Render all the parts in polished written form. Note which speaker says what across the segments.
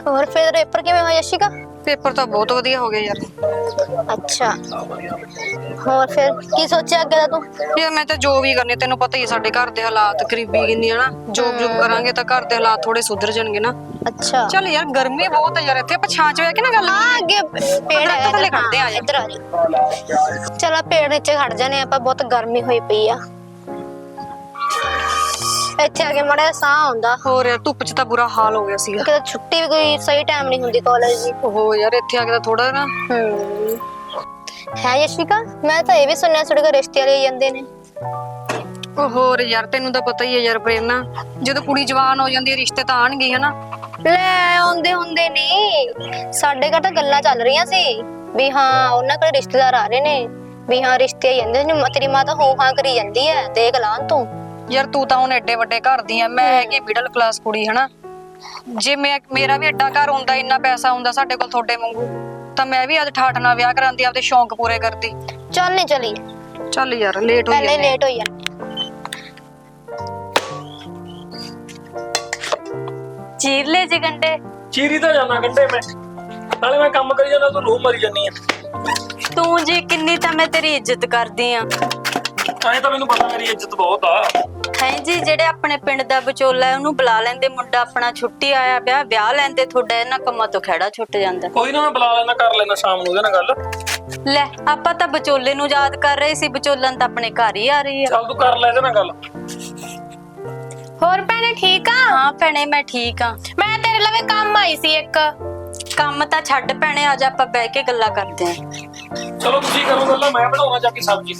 Speaker 1: ਹੋਰ ਫਿਰ ਪੇਪਰ ਕਿਵੇਂ ਹੋਇਆ ਯਸ਼ਿਕਾ?
Speaker 2: ਪੇਪਰ ਤਾਂ ਬਹੁਤ ਵਧੀਆ ਹੋ ਗਏ ਯਾਰ।
Speaker 1: ਅੱਛਾ, ਹੋਰ ਫਿਰ ਕੀ ਸੋਚਿਆ ਅੱਗੇ ਦਾ ਤੂੰ?
Speaker 2: ਯਾਰ ਮੈਂ ਤਾਂ ਜੋ ਵੀ ਕਰਨੀ, ਤੈਨੂੰ ਪਤਾ ਹੀ ਸਾਡੇ ਘਰ ਦੇ ਹਾਲਾਤ ਗਰੀਬੀ ਕਿੰਨੀ ਹੈ ਨਾ। ਜੋਬ ਕਰਾਂਗੇ ਤਾਂ ਘਰ ਦੇ ਹਾਲਾਤ ਥੋੜੇ ਸੁਧਰ ਜਾਣਗੇ ਨਾ।
Speaker 1: ਅੱਛਾ
Speaker 2: ਚੱਲ ਯਾਰ ਗਰਮੀ ਬਹੁਤ ਹੈ ਯਾਰ ਇੱਥੇ, ਆਪਾਂ ਛਾਂ ਚ ਬਹਿ ਕੇ ਨਾ ਗੱਲ
Speaker 1: ਹਾਂ ਅੱਗੇ ਪੇੜ ਹੈ
Speaker 2: ਥੱਲੇ ਖੜਦੇ ਆ।
Speaker 1: ਇੱਧਰ ਆ ਜਾ। ਚਲ ਪੇੜ ਨੀਚੇ ਖੜ ਜਾਨੇ ਆਪਾਂ, ਬਹੁਤ ਗਰਮੀ ਹੋਈ ਪਈ ਆ। ਇੱਥੇ ਆ ਕੇ ਮੜਾ ਸਾਹ ਆਉਂਦਾ।
Speaker 2: ਹੋਰ ਯਾਰ ਧੁੱਪ ਚ ਤਾਂ ਬੁਰਾ ਹਾਲ ਹੋ ਗਿਆ ਸੀ।
Speaker 1: ਕਿਤੇ ਛੁੱਟੀ ਵੀ ਕੋਈ ਸਹੀ ਟਾਈਮ ਨਹੀਂ ਹੁੰਦੀ ਕਾਲਜ ਦੀ।
Speaker 2: ਉਹ ਯਾਰ ਇੱਥੇ ਆ ਕੇ ਤਾਂ ਥੋੜਾ ਨਾ
Speaker 1: ਹੈ ਯਸ਼ਿਕਾ, ਮੈਂ ਤਾਂ ਇਹ ਵੀ ਸੁਣਿਆ ਤੁਹਾਡੇ ਕੋਲ ਰਿਸ਼ਤੇ ਵਾਲੇ ਜਾਂਦੇ ਨੇ।
Speaker 2: ਹੋਰ ਯਾਰ ਤੈਨੂੰ ਤਾਂ ਪਤਾ ਹੀ ਹੈ ਯਾਰ ਪ੍ਰੇਰਨਾ, ਜਦੋਂ ਕੁੜੀ ਜਵਾਨ ਹੋ ਜਾਂਦੀ ਹੈ ਰਿਸ਼ਤੇ ਤਾਂ ਆਣਗੇ ਹਨਾ।
Speaker 1: ਲੈ ਆਉਂਦੇ ਹੁੰਦੇ ਨਹੀਂ, ਸਾਡੇ ਘਰ ਤਾਂ ਗੱਲਾਂ ਚੱਲ ਰਹੀਆਂ ਸੀ ਵੀ ਹਾਂ ਉਹਨਾਂ ਕੋਲ ਰਿਸ਼ਤੇਦਾਰ ਆ ਰਹੇ ਨੇ, ਵੀ ਹਾਂ ਰਿਸ਼ਤੇ ਆ ਜਾਂਦੇ ਨੇ। ਤੇਰੀ ਮਾਂ ਤਾਂ ਹੋ ਹਾਂ ਕਰੀ ਜਾਂਦੀ ਹੈ, ਦੇਖ ਲਾਂ ਤੂੰ।
Speaker 2: ਯਾਰ ਤੂੰ ਤਾਂ ਹੁਣ ਐਡੇ ਵੱਡੇ ਘਰ ਦੀ ਆ, ਮੈਂ ਹੈਗੀ ਮਿਡਲ ਕਲਾਸ ਕੁੜੀ ਹਨਾ। ਜੇ ਮੇਰਾ ਵੀ ਐਡਾ ਘਰ ਹੁੰਦਾ, ਇੰਨਾ ਪੈਸਾ ਹੁੰਦਾ ਸਾਡੇ ਕੋਲ ਤੁਹਾਡੇ ਵਾਂਗੂ, ਤਾਂ ਮੈਂ ਵੀ ਅੱਜ ਠਾਠ ਨਾਲ ਵਿਆਹ ਕਰਾਂਦੀ, ਆਪਦੇ ਸ਼ੌਂਕ ਪੂਰੇ ਕਰਦੀ।
Speaker 1: ਚੱਲ ਨਹੀਂ ਚਲੀ,
Speaker 2: ਚੱਲ ਯਾਰ ਲੇਟ ਹੋ
Speaker 1: ਪਹਿਲੇ ਲੇਟ ਹੋਈ ਆ।
Speaker 3: ਚੀਰ ਲੈ ਜੀ ਗੰਡੇ।
Speaker 4: ਚੀਰੀ ਤਾਂ ਜਾਣਾ ਗੰਡੇ ਮੈਂ, ਨਾਲੇ ਮੈਂ ਕੰਮ ਕਰੀ ਜਾਂਦਾ, ਤੂੰ ਰੂਹ ਮਰੀ ਜਾਨੀ ਆ।
Speaker 3: ਤੂੰ ਜੀ ਕਿੰਨੀ ਤਾਂ ਮੈਂ ਤੇਰੀ ਇੱਜ਼ਤ ਕਰਦੀ ਆ।
Speaker 4: ਐਂ ਤਾਂ ਮੈਨੂੰ ਪਤਾ ਮੇਰੀ ਇੱਜ਼ਤ ਬਹੁਤ ਆ।
Speaker 3: ਹੈ ਜੀ, ਜਿਹੜੇ ਆਪਣੇ ਪਿੰਡ ਦਾ ਵਿਚੋਲਾ ਉਹਨੂੰ ਬੁਲਾ ਲੈਂਦੇ, ਮੁੰਡਾ ਆਪਣਾ ਛੁੱਟੀ ਆਇਆ ਪਿਆ, ਵਿਆਹ ਲੈਂਦੇ, ਤੁਹਾਡਾ ਇਹਨਾਂ ਕੰਮਾਂ ਤੋਂ ਖਹਿੜਾ ਛੁੱਟ ਜਾਂਦਾ।
Speaker 4: ਕੋਈ ਨਾ ਮੈਂ ਬੁਲਾ ਲੈਣਾ, ਕਰ ਲੈਣਾ ਸ਼ਾਮ ਨੂੰ ਉਹਦੇ ਨਾਲ ਗੱਲ।
Speaker 3: ਲੈ ਆਪਾਂ ਤਾਂ ਵਿਚੋਲੇ ਨੂੰ ਯਾਦ ਕਰ ਰਹੇ ਸੀ, ਵਿਚੋਲਨ ਤਾਂ ਆਪਣੇ ਘਰ ਹੀ ਆ ਰਹੀ ਆ।
Speaker 4: ਚੱਲ ਤੂੰ ਕਰ ਲੈ ਇਹਦੇ ਨਾਲ ਗੱਲ।
Speaker 5: ਹੋਰ ਭੈਣੇ ਠੀਕ ਆ?
Speaker 3: ਹਾਂ ਭੈਣੇ ਮੈਂ ਠੀਕ ਆ।
Speaker 5: ਮੈਂ ਤੇਰੇ ਲਵੇ ਕੰਮ ਆਈ ਸੀ ਇੱਕ।
Speaker 3: ਕੰਮ ਤਾਂ ਛੱਡ ਭੈਣੇ, ਅੱਜ ਆਪਾਂ ਬਹਿ ਕੇ ਗੱਲਾਂ ਕਰਦੇ ਆਂ।
Speaker 4: ਚਲੋ ਤੁਸੀਂ ਕਰੋ ਗੱਲਾਂ, ਮੈਂ ਬਣਾਉਣਾ ਜਾ ਕੇ ਸਬਜ਼ੀ।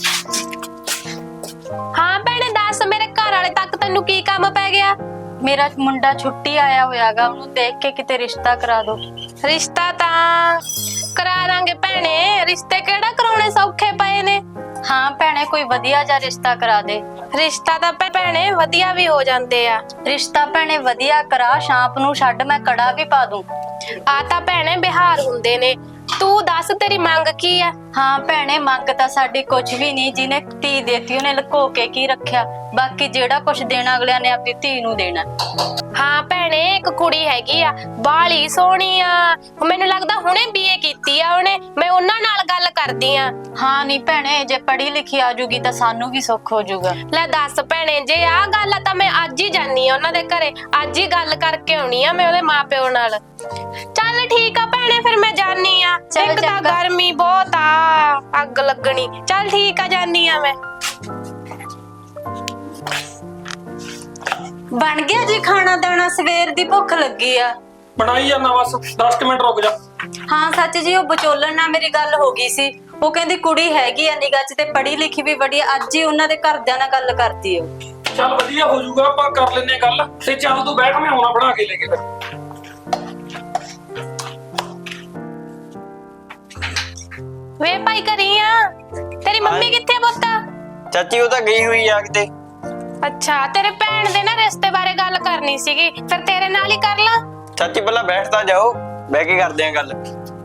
Speaker 5: ਹਾਂ ਭੈਣੇ ਦੱਸ, ਮੇਰੇ ਘਰ ਵਾਲੇ ਤੱਕ ਤੈਨੂੰ ਕੀ ਕੰਮ ਪੈ ਗਿਆ?
Speaker 3: ਮੇਰਾ ਮੁੰਡਾ ਛੁੱਟੀ ਆਇਆ ਹੋਇਆਗਾ, ਉਹਨੂੰ ਦੇਖ ਕੇ ਕਿਤੇ ਰਿਸ਼ਤਾ ਕਰਾ ਦੋ।
Speaker 5: ਰਿਸ਼ਤਾ ਤਾਂ ਕਰਾ ਦਾਂਗੇ ਭੈਣੇ, ਰਿਸ਼ਤੇ ਕਿਹੜਾ ਕਰਾਉਣੇ ਸੌਖੇ ਪਏ ਨੇ।
Speaker 3: ਹਾਂ ਭੈਣੇ ਕੋਈ ਵਧੀਆ ਜਿਹਾ ਰਿਸ਼ਤਾ ਕਰਾ ਦੇ।
Speaker 5: ਰਿਸ਼ਤਾ ਤਾਂ ਭੈਣੇ ਵਧੀਆ ਵੀ ਹੋ ਜਾਂਦੇ ਆ।
Speaker 3: ਰਿਸ਼ਤਾ ਭੈਣੇ ਵਧੀਆ ਕਰਾ, ਸ਼ਾਂਪ ਨੂੰ ਛੱਡ, ਮੈਂ ਕੜਾ ਵੀ ਪਾ ਦੂੰ।
Speaker 5: ਆ ਤਾਂ ਭੈਣੇ ਬਿਹਾਰ ਹੁੰਦੇ ਨੇ, ਤੂੰ ਦੱਸ ਤੇਰੀ ਮੰਗ ਕੀ ਆ?
Speaker 3: ਹਾਂ ਭੈਣੇ ਮੰਗ ਤਾਂ ਸਾਡੀ ਕੁਝ ਵੀ ਨਹੀਂ, ਜਿਹਨੇ ਧੀ ਦੇਤੀ ਉਹਨੇ ਲੁਕੋ ਕੇ ਕੀ ਰੱਖਿਆ, ਬਾਕੀ ਜਿਹੜਾ ਕੁਝ ਦੇਣਾ ਅਗਲਿਆਂ ਨੇ ਆਪਣੀ ਧੀ ਨੂੰ ਦੇਣਾ।
Speaker 5: ਹਾਂ ਭੈਣੇ ਇੱਕ ਕੁੜੀ ਹੈਗੀ ਆ, ਬਾਲੀ ਸੋਹਣੀ ਆ, ਮੈਨੂੰ ਲੱਗਦਾ ਹੁਣੇ BA ਕੀਤੀ ਆ ਉਹਨੇ, ਮੈਂ ਉਹਨਾਂ ਨਾਲ ਗੱਲ ਕਰਦੀ ਆ।
Speaker 3: ਹਾਂ ਨਹੀਂ ਭੈਣੇ, ਜੇ ਪੜ੍ਹੀ ਲਿਖੀ ਆ ਜੂਗੀ ਤਾਂ ਸਾਨੂੰ ਵੀ ਸੁੱਖ ਹੋ ਜਾਊਗਾ।
Speaker 5: ਲੈ ਦੱਸ ਭੈਣੇ, ਜੇ ਆਹ ਗੱਲ ਆ ਤਾਂ ਮੈਂ ਅੱਜ ਹੀ ਜਾਨੀ ਆ ਉਹਨਾਂ ਦੇ ਘਰੇ, ਅੱਜ ਹੀ ਗੱਲ ਕਰਕੇ ਆਉਣੀ ਆ ਮੈਂ ਉਹਦੇ ਮਾਪਿਓ ਨਾਲ। ਚੱਲ ਠੀਕ ਆ ਭੈਣੇ, ਫਿਰ ਮੈਂ ਜਾਨੀ ਆ। ਇੱਕ ਤਾਂ ਗਰਮੀ ਬਹੁਤ ਆ, ਅੱਗ ਲੱਗਣੀ। ਚੱਲ ਠੀਕ ਆ, ਜਾਨੀ ਆ ਮੈਂ।
Speaker 3: ਬਣ ਗਿਆ ਜੀ ਖਾਣਾ ਦਾਣਾ, ਸਵੇਰ ਦੀ ਭੁੱਖ ਲੱਗੀ ਆ।
Speaker 4: ਬਣਾਈ ਜਾਣਾ, ਬਸ 10 ਮਿੰਟ ਰੁਕ ਜਾ।
Speaker 3: ਹਾਂ ਸੱਚ ਜੀ, ਉਹ ਵਿਚੋਲਣ ਨਾਲ ਮੇਰੀ ਗੱਲ ਹੋ ਗਈ ਸੀ, ਉਹ ਕਹਿੰਦੀ ਕੁੜੀ ਹੈਗੀ ਆ ਨਿਗਾਹ 'ਚ ਤੇ ਪੜ੍ਹੀ ਲਿਖੀ ਵੀ ਬੜੀ, ਅੱਜ ਹੀ ਉਹਨਾਂ ਦੇ ਘਰਦਿਆਂ ਨਾਲ ਗੱਲ ਕਰਤੀ ਉਹ।
Speaker 4: ਚੱਲ ਵਧੀਆ ਹੋ ਜਾਊਗਾ, ਆਪਾਂ ਕਰ ਲੈਨੇ ਗੱਲ। ਤੇ ਚੱਲ ਤੂੰ ਬੈਠ, ਮੈਂ ਆਉਣਾ ਬਣਾ ਕੇ ਲੈ ਕੇ ਫਿਰ।
Speaker 5: ਵੇ ਭਾਈ ਘਰੀ ਆ, ਤੇਰੀ ਮੰਮੀ ਕਿੱਥੇ ਪੁੱਤ?
Speaker 6: ਚਾਚੀ ਉਹ ਤਾਂ ਗਈ ਹੋਈ ਆ ਕਿਤੇ।
Speaker 5: ਅੱਛਾ, ਤੇਰੇ ਭੈਣ ਦੇ ਨਾ ਰਿਸ਼ਤੇ ਬਾਰੇ ਗੱਲ ਕਰਨੀ ਸੀਗੀ, ਫਿਰ ਤੇਰੇ ਨਾਲ ਹੀ ਕਰ ਲਾਂ।
Speaker 6: ਚਾਚੀ ਪਹਿਲਾਂ ਬੈਠ ਤਾਂ ਜਾਓ, ਬਹਿ ਕੇ ਕਰਦੇ ਆਂ ਗੱਲ।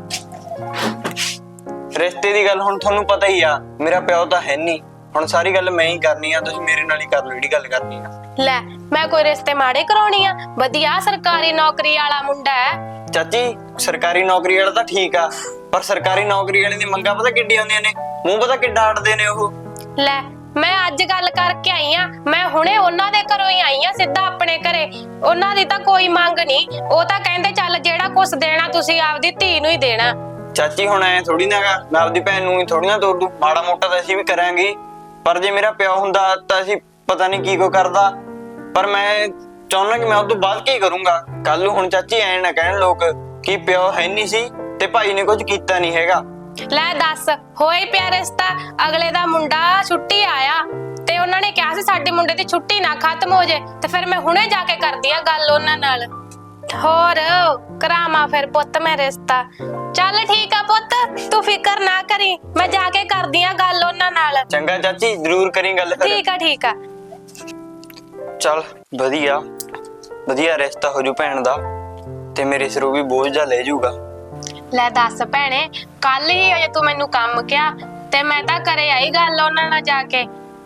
Speaker 6: ਰਿਸ਼ਤੇ ਦੀ ਗੱਲ ਹੁਣ ਤੁਹਾਨੂੰ ਪਤਾ ਹੀ ਆ, ਮੇਰਾ ਪਿਓ ਤਾਂ ਹੈ ਨਹੀਂ, ਹੁਣ ਸਾਰੀ ਗੱਲ ਮੈਂ ਹੀ ਕਰਨੀ ਆ, ਤੁਸੀਂ ਮੇਰੇ ਨਾਲ ਹੀ ਕਰ ਲਓ ਜਿਹੜੀ ਗੱਲ ਕਰਨੀ ਆ।
Speaker 5: ਲੈ ਮੈਂ ਕੋਈ ਰਿਸ਼ਤੇ ਮਾੜੇ ਕਰਾਉਣੀ ਆ? ਵਧੀਆ ਸਰਕਾਰੀ ਨੌਕਰੀ ਵਾਲਾ ਮੁੰਡਾ ਹੈ।
Speaker 6: ਚਾਚੀ ਸਰਕਾਰੀ ਨੌਕਰੀ ਵਾਲਾ ਤਾਂ ਠੀਕ ਆ, ਪਰ ਸਰਕਾਰੀ ਨੌਕਰੀ ਵਾਲੇ ਦੀ ਮੰਗਾਂ ਪਤਾ ਕਿੱਡੀ ਆਉਂਦੀਆਂ ਨੇ, ਮੂੰਹ ਪਤਾ ਕਿੱਡਾ ਅੜਦੇ ਨੇ ਉਹ।
Speaker 5: ਲੈ ਮੈਂ ਅੱਜ ਗੱਲ ਕਰਕੇ ਆਈ ਆ, ਮੈਂ ਹੁਣੇ ਉਹਨਾਂ ਦੇ ਘਰੋਂ ਹੀ ਆਈ ਆ, ਸਿੱਧਾ ਆਪਣੇ ਘਰੇ। ਉਹਨਾਂ ਦੀ ਤਾਂ ਕੋਈ ਮੰਗ ਨਹੀਂ, ਉਹ ਤਾਂ ਕਹਿੰਦੇ ਚੱਲ ਜਿਹੜਾ ਕੁਛ ਦੇਣਾ ਤੁਸੀਂ ਆਪਦੀ ਧੀ ਨੂੰ ਹੀ ਦੇਣਾ।
Speaker 6: ਚਾਚੀ ਹੁਣ ਐ ਥੋੜੀ ਨਾ ਹੈਗਾ, ਮੈਂ ਆਪਦੀ ਭੈਣ ਨੂੰ ਹੀ ਥੋੜੀ ਨਾ ਤੋੜ ਦੂੰ, ਮਾੜਾ ਮੋਟਾ ਤਾਂ ਅਸੀਂ ਵੀ ਕਰਾਂਗੇ, ਪਰ ਜੇ ਮੇਰਾ ਪਿਓ ਹੁੰਦਾ ਤਾਂ ਅਸੀਂ ਪਤਾ ਨਹੀਂ ਕੀ ਕੋ ਕਰਦਾ, ਪਰ ਮੈਂ ਚਾਹੁੰਦਾ ਕਿ ਮੈਂ ਉਹ ਤੋਂ ਬਾਅਦ ਕੀ ਕਰੂੰਗਾ ਕੱਲ ਨੂੰ। ਹੁਣ ਚਾਚੀ ਐ ਨਾ ਕਹਿਣ ਲੋਕ ਕਿ ਪਿਓ ਹੈ ਨਹੀਂ ਸੀ ਤੇ ਭਾਈ ਨੇ ਕੁਝ ਕੀਤਾ ਨਹੀਂ ਹੈਗਾ।
Speaker 5: ਲੈ ਦੱਸ, ਹੋਏ ਪਿਆ ਰਿਸ਼ਤਾ, ਅਗਲੇ ਦਾ ਮੁੰਡਾ ਛੁੱਟੀ ਆਇਆ ਤੇ ਉਹਨਾਂ ਨੇ ਕਿਹਾ ਸੀ ਸਾਡੇ ਮੁੰਡੇ ਦੀ ਛੁੱਟੀ ਨਾ ਖਤਮ ਹੋ ਜੇ, ਤੇ ਫਿਰ ਮੈਂ ਹੁਣੇ ਜਾ ਕੇ ਕਰਦੀ ਆ ਗੱਲ ਉਹਨਾਂ ਨਾਲ। ਹੋਰ ਕਰਾਵਾਂ ਫਿਰ ਪੁੱਤ ਮੈਂ ਰਿਸ਼ਤਾ। ਚੱਲ ਠੀਕ ਆ ਪੁੱਤ, ਤੂੰ ਫਿਕਰ ਨਾ ਕਰੀ, ਮੈਂ ਜਾ ਕੇ ਕਰਦੀ ਆ ਗੱਲ ਉਹਨਾਂ ਨਾਲ।
Speaker 6: ਚੰਗਾ ਚਾਚੀ, ਜ਼ਰੂਰ ਕਰੀ ਗੱਲ ਫਿਰ।
Speaker 5: ਠੀਕ ਆ ਠੀਕ ਆ।
Speaker 6: ਚੱਲ ਵਧੀਆ ਵਧੀਆ ਰਿਸ਼ਤਾ ਹੋ ਜੂ ਭੈਣ ਦਾ, ਤੇ ਮੇਰੇ ਸਿਰੋਂ ਵੀ ਬੋਝ ਜਾ ਲੈ ਜਾਊਗਾ।
Speaker 5: ਲੈ ਦੱਸ ਭੈਣੇ, ਕੱਲ ਹੀ ਅਜੇ ਤੂੰ ਮੈਨੂੰ ਕੰਮ ਕਿਹਾ ਤੇ ਮੈਂ ਤਾਂ ਘਰੇ ਆਈ ਗੱਲ ਉਹਨਾਂ ਨਾਲ ਜਾ ਕੇ।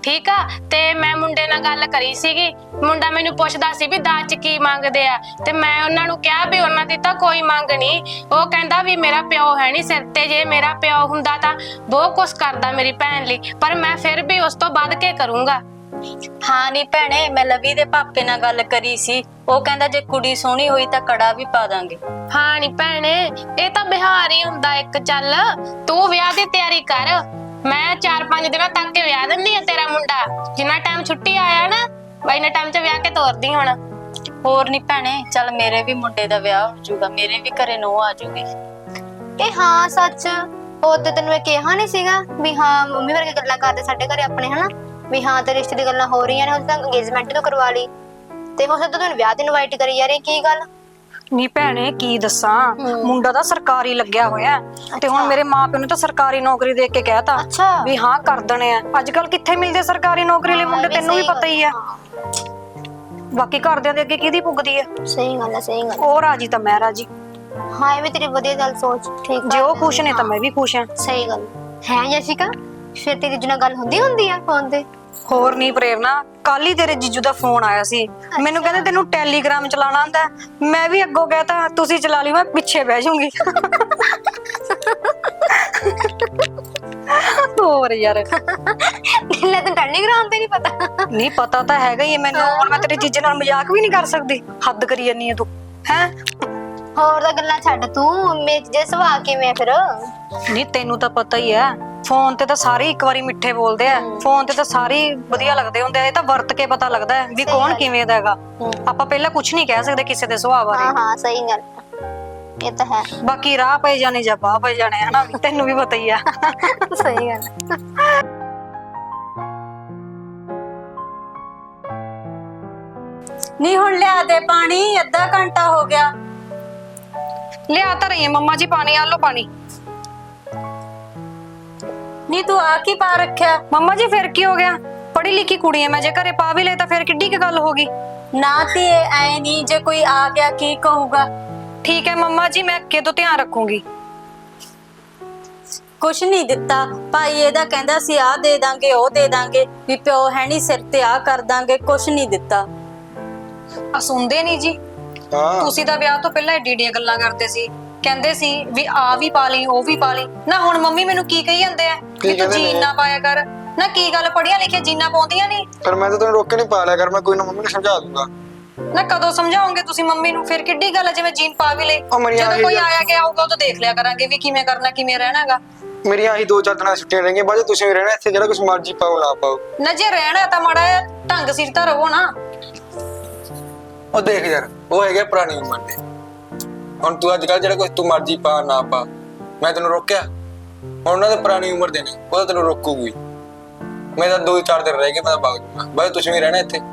Speaker 5: ਠੀਕ ਆ। ਤੇ ਮੈਂ ਮੁੰਡੇ ਨਾਲ ਗੱਲ ਕਰੀ ਸੀਗੀ, ਮੁੰਡਾ ਮੈਨੂੰ ਪੁੱਛਦਾ ਸੀ ਵੀ ਦਾਜ ਚ ਕੀ ਮੰਗਦੇ ਆ, ਤੇ ਮੈਂ ਉਹਨਾਂ ਨੂੰ ਕਿਹਾ ਵੀ ਉਹਨਾਂ ਦੀ ਤਾਂ ਕੋਈ ਮੰਗ ਨਹੀਂ। ਉਹ ਕਹਿੰਦਾ ਵੀ ਮੇਰਾ ਪਿਓ ਹੈ ਨਹੀਂ ਸਿਰ ਤੇ, ਜੇ ਮੇਰਾ ਪਿਓ ਹੁੰਦਾ ਤਾਂ ਬਹੁਤ ਕੁਛ ਕਰਦਾ ਮੇਰੀ ਭੈਣ ਲਈ, ਪਰ ਮੈਂ ਫਿਰ ਵੀ ਉਸ ਤੋਂ ਵੱਧ ਕੇ ਕਰੂੰਗਾ।
Speaker 3: ਹਾਂ ਨੀ ਭੈਣੇ, ਮੈਂ ਲਵੀ ਦੇ ਪਾਪੇ ਨਾਲ ਗੱਲ ਕਰੀ ਸੀ, ਉਹ ਕਹਿੰਦਾ ਜੇ ਕੁੜੀ ਸੋਹਣੀ ਹੋਈ ਤਾਂ ਕੜਾ ਵੀ ਪਾ ਦਾਂਗੇ।
Speaker 5: ਹਾਂ ਨੀ ਭੈਣੇ, ਇਹ ਤਾਂ ਬਿਹਾਰ ਹੀ ਹੁੰਦਾ ਇੱਕ। ਚੱਲ ਤੂੰ ਵਿਆਹ ਦੀ ਤਿਆਰੀ ਕਰ, ਮੈਂ 4-5 ਦਿਨਾਂ ਤੱਕ ਕੇ ਵਿਆਹ ਦਿੰਦੀ ਆ ਤੇਰਾ ਮੁੰਡਾ। ਜਿੰਨਾ ਟਾਈਮ ਛੁੱਟੀ ਆਇਆ ਨਾ, ਇੰਨੇ ਟਾਈਮ 'ਚ ਵਿਆਹ ਕੇ ਤੋਰਦੀ ਹੁਣ।
Speaker 3: ਹੋਰ ਨੀ ਭੈਣੇ, ਚੱਲ ਮੇਰੇ ਵੀ ਮੁੰਡੇ ਦਾ ਵਿਆਹ ਹੋ ਜਾਊਗਾ, ਮੇਰੇ ਵੀ ਘਰੇ ਨੂੰਹ ਆ ਜਾਊਗੀ।
Speaker 1: ਇਹ ਹਾਂ ਸੱਚ, ਉਹਦੇ ਤੈਨੂੰ ਇਹ ਕਿਹਾ ਨਹੀਂ ਸੀਗਾ ਵੀ ਹਾਂ ਮੰਮੀ ਵਰਗੇ ਗੱਲਾਂ ਕਰਦੇ ਸਾਡੇ ਘਰੇ ਆਪਣੇ, ਹਨਾ ਵੀ ਹਾਂ ਤੇ ਰਿਸ਼ਤੇ ਦੀ ਗੱਲਾਂ ਹੋ ਰਹੀਆਂ ਨੇ, ਹੁਣ ਤਾਂ ਅੰਗੇਜਮੈਂਟ ਤੋਂ ਕਰਵਾ ਲਈ ਤੇ ਹੁਣ ਤਾਂ ਤੈਨੂੰ ਵਿਆਹ ਦੀ ਇਨਵਾਈਟ ਕਰੀ ਜਾ ਰਹੀ, ਕੀ ਗੱਲ?
Speaker 2: ਨੀ ਭੈਣੇ ਕੀ ਦੱਸਾਂ, ਮੁੰਡਾ ਤਾਂ ਸਰਕਾਰੀ ਲੱਗਿਆ ਹੋਇਆ ਤੇ ਹੁਣ ਮੇਰੇ ਮਾਪਿਓ ਨੇ ਤਾਂ ਸਰਕਾਰੀ ਨੌਕਰੀ ਦੇਖ ਕੇ ਕਹਿਤਾ
Speaker 1: ਅੱਛਾ
Speaker 2: ਵੀ ਹਾਂ ਕਰ ਦੇਣੇ ਆ। ਅੱਜ ਕੱਲ ਕਿੱਥੇ ਮਿਲਦੇ ਸਰਕਾਰੀ ਨੌਕਰੀ ਲਈ ਮੁੰਡੇ, ਤੈਨੂੰ ਵੀ ਪਤਾ ਹੀ ਆ। ਬਾਕੀ ਘਰਦਿਆਂ ਦੇ ਅੱਗੇ ਕਿਹਦੀ ਪੁੱਗਦੀ ਆ?
Speaker 1: ਸਹੀ ਗੱਲ ਹੈ, ਸਹੀ ਗੱਲ।
Speaker 2: ਉਹ ਰਾਜੀ ਤਾਂ ਮੈਂ ਰਾਜੀ।
Speaker 1: ਹਾਂ ਇਹ ਵੀ ਤੇਰੀ ਵਧੀਆ ਗੱਲ ਸੋਚ, ਠੀਕ
Speaker 2: ਜੇ ਉਹ ਖੁਸ਼ ਨੇ ਤਾਂ ਮੈਂ ਵੀ ਖੁਸ਼ ਆ।
Speaker 1: ਸਹੀ ਗੱਲ ਹੈ। ਜੈਸਿਕਾ, ਫਿਰ ਤੇਰੀ ਜੁਨਾ ਗੱਲ ਹੁੰਦੀ ਆ ਫੋਨ ਤੇ?
Speaker 2: ਹੋਰ ਨਹੀਂ ਪ੍ਰੇਰਨਾ, ਕੱਲ ਹੀ ਤੇਰੇ ਜੀਜੂ ਦਾ ਫੋਨ ਆਇਆ ਸੀ, ਮੈਨੂੰ ਕਹਿੰਦੇ ਤੈਨੂੰ ਟੈਲੀਗ੍ਰਾਮ ਚਲਾਉਣਾ ਆਂਦਾ। ਮੈਂ ਵੀ ਅੱਗੋਂ ਕਹਿਤਾ ਤੁਸੀਂ ਚਲਾ ਲਈ, ਮੈਂ ਪਿੱਛੇ ਬਹਿ ਜਾਊਂਗੀ। ਹੋਰ ਯਾਰ,
Speaker 1: ਲੈ ਤੈਨੂੰ ਟੈਲੀਗ੍ਰਾਮ ਤੇ ਨਹੀਂ ਪਤਾ?
Speaker 2: ਨਹੀਂ ਪਤਾ ਤਾਂ ਹੈਗਾ ਹੀ ਹੈ ਮੈਨੂੰ। ਹੁਣ ਮੈਂ ਤੇਰੇ ਜੀਜੇ ਨਾਲ ਮਜ਼ਾਕ ਵੀ ਨਹੀਂ ਕਰ ਸਕਦੀ, ਹੱਦ ਕਰੀ ਜਾਨੀ ਹੈ ਤੂੰ ਹੈ।
Speaker 1: ਹੋਰ ਤਾਂ ਗੱਲਾਂ ਛੱਡ, ਤੂੰ ਮੇਰੇ ਜੇ ਸੁਭਾਅ ਕਿਵੇਂ ਫਿਰ?
Speaker 2: ਨਹੀਂ ਤੈਨੂੰ ਤਾਂ ਪਤਾ ਹੀ ਹੈ, ਫੋਨ ਤੇ ਤਾਂ ਸਾਰੇ ਇੱਕ ਵਾਰੀ ਮਿੱਠੇ ਬੋਲਦੇ ਆ, ਫੋਨ ਤੇ ਤਾਂ ਸਾਰੇ ਵਧੀਆ ਲੱਗਦੇ ਹੁੰਦੇ ਆ। ਇਹ ਤਾਂ ਵਰਤ ਕੇ ਪਤਾ ਲੱਗਦਾ ਹੈ ਵੀ ਕੌਣ ਕਿਵੇਂ ਦਾ ਹੈਗਾ। ਆਪਾਂ ਪਹਿਲਾਂ ਕੁਝ ਨਹੀਂ ਕਹਿ ਸਕਦੇ ਕਿਸੇ ਦੇ ਸੁਭਾਅ ਬਾਰੇ।
Speaker 1: ਹਾਂ ਸਹੀ ਗੱਲ, ਇਹ ਤਾਂ ਹੈ।
Speaker 2: ਬਾਕੀ ਰਾਹ ਪਏ ਜਾਣੇ ਜਾਂ ਬਾਹ ਪਏ ਜਾਣੇ, ਹਨਾ, ਤੈਨੂੰ ਵੀ ਪਤਾ ਹੀ ਆ।
Speaker 1: ਸਹੀ ਗੱਲ।
Speaker 3: ਨੀ ਹੁਣ ਲਿਆ ਦੇ ਪਾਣੀ, ਅੱਧਾ ਘੰਟਾ ਹੋ ਗਿਆ।
Speaker 2: ਲਿਆ ਤਾਂ ਰਹੀ ਹੈ ਮੰਮਾ ਜੀ ਪਾਣੀ, ਆ ਲੋ ਪਾਣੀ।
Speaker 3: ਨੀ ਤੂੰ ਆ ਕੀ ਪਾ ਰੱਖਿਆ?
Speaker 2: ਮੰਮਾ ਜੀ ਫਿਰ ਕੀ ਹੋ ਗਿਆ, ਪੜ੍ਹੀ ਲਿਖੀ ਕੁੜੀ ਐ ਮੈਂ, ਜੇ ਘਰੇ ਪਾ ਵੀ ਲੈ ਤਾਂ ਫਿਰ ਕਿੱਡੀ ਕੀ ਗੱਲ ਹੋ ਗਈ।
Speaker 3: ਨਾ ਤੇ ਐ ਨਹੀਂ, ਜੇ ਕੋਈ ਆ ਗਿਆ ਕੀ ਕਹੂਗਾ?
Speaker 2: ਠੀਕ ਹੈ ਮੰਮਾ ਜੀ, ਮੈਂ ਅੱਗੇ ਤੋਂ ਧਿਆਨ ਰੱਖੂੰਗੀ।
Speaker 3: ਕੁਛ ਨਹੀਂ ਦਿੱਤਾ ਭਾਈ, ਇਹਦਾ ਕਹਿੰਦਾ ਸੀ ਆ ਦੇ ਦਾਂਗੇ ਉਹ ਦੇ ਦਾਂਗੇ, ਵੀ ਪਿਓ ਹੈ ਨਹੀਂ ਸਿਰ ਤੇ ਆ ਕਰ ਦਾਂਗੇ, ਕੁਛ ਨਹੀਂ ਦਿੱਤਾ।
Speaker 2: ਆ ਸੁਣਦੇ ਨਹੀਂ ਜੀ, ਤੁਸੀਂ ਤਾਂ ਵਿਆਹ ਤੋਂ ਪਹਿਲਾਂ ਏਡੀਆਂ ਗੱਲਾਂ ਕਰਦੇ ਸੀ, ਕਹਿੰਦੇ ਸੀ ਵੀ ਆ ਵੀ ਪਾ ਲਈ ਉਹ ਵੀ ਪਾ ਲਈ। ਨਾ ਹੁਣ ਮੰਮੀ ਮੈਨੂੰ ਕੀ ਕਹੀ ਜਾਂਦੇ ਆ ਕਿ ਤੂੰ ਜੀਨ ਨਾ ਪਾਇਆ ਕਰ। ਨਾ ਕੀ ਗੱਲ, ਪੜੀਆਂ ਲਿਖੀਆਂ ਜੀਨਾਂ ਪਾਉਂਦੀਆਂ ਨਹੀਂ?
Speaker 7: ਪਰ ਮੈਂ ਤਾਂ ਤੈਨੂੰ ਰੋਕ ਕੇ ਨਹੀਂ ਪਾ ਲਿਆ ਕਰ, ਮੈਂ ਕੋਈ ਨਾ ਮੰਮੀ ਨੂੰ ਸਮਝਾ ਦੂੰਗਾ।
Speaker 2: ਨਾ ਕਦੋਂ ਸਮਝਾਓਗੇ ਤੁਸੀਂ ਮੰਮੀ ਨੂੰ? ਫਿਰ ਕਿੱਡੀ ਗੱਲ ਹੈ ਜਿਵੇਂ ਜੀਨ ਪਾ ਵੀ ਲਈ, ਜਦੋਂ ਕੋਈ ਆਇਆ ਗਿਆ ਆਊਗਾ ਉਦੋਂ ਦੇਖ ਲਿਆ ਕਰਾਂਗੇ ਵੀ ਕਿਵੇਂ ਕਰਨਾ ਕਿਵੇਂ ਰਹਿਣਾਗਾ।
Speaker 7: ਮੇਰੀਆਂ ਆਹੀ 2-4 ਦਿਨਾਂ ਛੁੱਟੀਆਂ ਰਹਿਣਗੀਆਂ, ਬਾਅਦ ਤੁਸੀਂ ਵੀ ਰਹਿਣਾ ਇੱਥੇ, ਜਿਹੜਾ ਕੁਝ ਮਰਜ਼ੀ ਪਾਓ ਨਾ ਪਾਓ।
Speaker 2: ਨਾ ਜੇ ਰਹਿਣਾ ਤਾਂ ਮਾੜਾ ਜਿਹਾ ਢੰਗ ਸਿਰ ਤਾਂ ਰਹੋ ਨਾ।
Speaker 7: ਉਹ ਦੇਖ ਯਾਰ, ਉਹ ਹੈਗੇ ਪੁਰਾਣੀ ਉਮਰ ਦੇ, ਹੁਣ ਤੂੰ ਅੱਜ ਕੱਲ ਜਿਹੜਾ ਕੁਝ ਤੂੰ ਮਰਜ਼ੀ ਪਾ ਨਾ ਪਾ, ਮੈਂ ਤੈਨੂੰ ਰੋਕਿਆ? ਹੁਣ ਉਹਨਾਂ ਦੇ ਪੁਰਾਣੀ ਉਮਰ ਦੇ ਨੇ, ਉਹ ਤਾਂ ਤੈਨੂੰ ਰੋਕੂਗੀ। ਮੈਂ ਤਾਂ 2-4 ਦਿਨ ਰਹਿ ਗਏ, ਮੈਂ ਤਾਂ ਵਗ ਜਾਊਂਗਾ। ਬਾਅਦ ਤੁਸੀਂ ਵੀ ਰਹਿਣਾ ਇੱਥੇ,